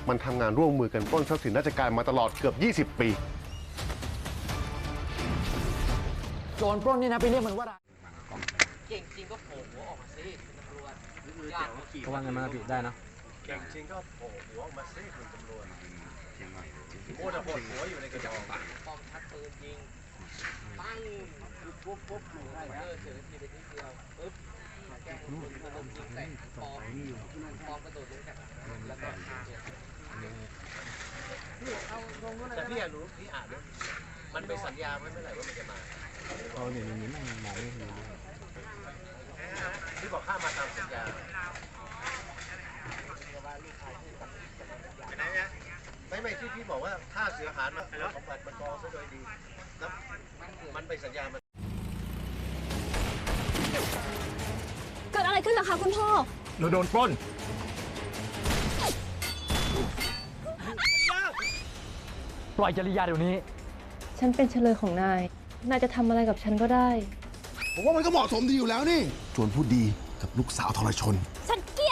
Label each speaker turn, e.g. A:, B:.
A: มันทำงานร่วมมือกันปล้นทรัพย์สินราชการมาตลอดเกือบ 20 ปี
B: โจรปล้นนี่นะไปเรียกมันว่าอะไร
C: เก่งจริงก็โผล่หัวออกมาสิเป็นตำรวจยาก
B: เพราะว่าเงินมันผิดได้นะ
D: เก่งจริงก็โผล่หัวออกมาซิคุณตำรวจโอ้แต่ปวดหัวอยู่ในกระจก
C: ป้อมชักปืนยิงปั้งปุ๊บอยู่ได้เฉยทีไปนิดเดียวปึ๊บแกงปืนมันยิงใส่ปอมกระโดดลงจากแล้วก็ฆ่าเลย
D: แต่พี่อยากรู้พี่อ่านด้วยมันเป็นสัญญาไว้เมื่อไหร่ว่ามันจะมา
B: เราเดี๋ยวนี้มันมองไม่เห็น
D: พี่บอกข้ามาตามสัญญาไม่ที่พี่บอกว่าถ้าเสือหารมาแล้วสมบัติมันกองซะโดยดีแล้วมันไปสัญญามัน
E: เกิดอะไรขึ้นล่ะคะคุณพ่อ
B: เราโดนปล้นปล่อยจริยาเดี๋ยวนี้
F: ฉันเป็นเฉลยของนาย นายจะทำอะไรกับฉันก็ได้
G: ผมว่ามันก็เหมาะสมดีอยู่แล้วนี่จวนพูดดีกับลูกสาวทรชน
E: ฉันเกลียด